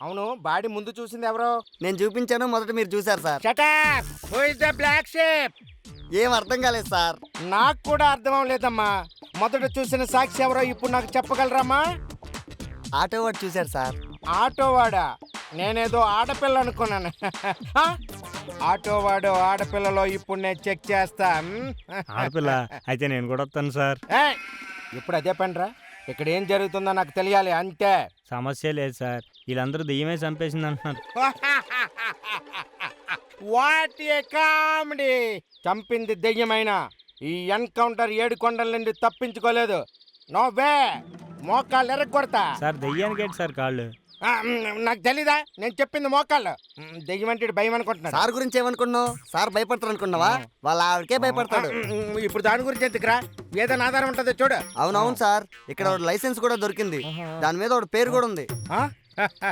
అవును బాడీ ముందు చూసింది ఎవరో? నేను చూపించాను, మొదట మీరు చూశారు sir. Shut up! Who is the black sheep? ఏం అర్థం కాలేదు సార్. నాకు కూడా అర్థం అవ్వలేదమ్మా. మొదట చూసిన సాక్షి ఎవరో ఇప్పుడు నాకు చెప్పగలరామా? ఆటో వాడు చూశారు సార్. ఆటోవాడా? నేనేదో ఆడపిల్ల అనుకున్నాను. ఆ? ఆటోవాడు ఆడపిల్లలో ఇప్పుడు నేను చెక్ చేస్తా. ఆడపిల్ల అయితే నేను కూడా వస్తాను సార్. ఏయ్! ఇప్పుడు అదే పనిరా. ఇక్కడ ఏం జరుగుతుందో నాకు తెలియాలి అంతే. సమస్య లేదు సార్, వీళ్ళందరూ దెయ్యమే చంపేసింది అంటున్నారు. What a comedy! చంపింది దెయ్యమైనా ఈ ఎన్కౌంటర్ 7 కొండల నుండి తప్పించుకోలేదు. No way! మోకాళ్ళు ఎరగొడతా. సార్ దెయ్యానికి ఏంటి సార్ కాళ్ళు? నాకు తెలీదా? నేను చెప్పింది మోకాళ్ళు. దెయ్యం అంటే ఈడు భయం అనుకుంటున్నాడు. సార్ గురించి ఏమనుకున్నావు? సార్ భయపడతారు అనుకున్నావా? వాళ్ళ ఆవిడకే భయపడతాడు. ఇప్పుడు దాని గురించి ఎందుకురా? ఏదైనా ఆధారం ఉంటుందో చూడు. అవునవును సార్, ఇక్కడ ఒక లైసెన్స్ కూడా దొరికింది. దాని మీద ఒక పేరు కూడా ఉంది. ఆ?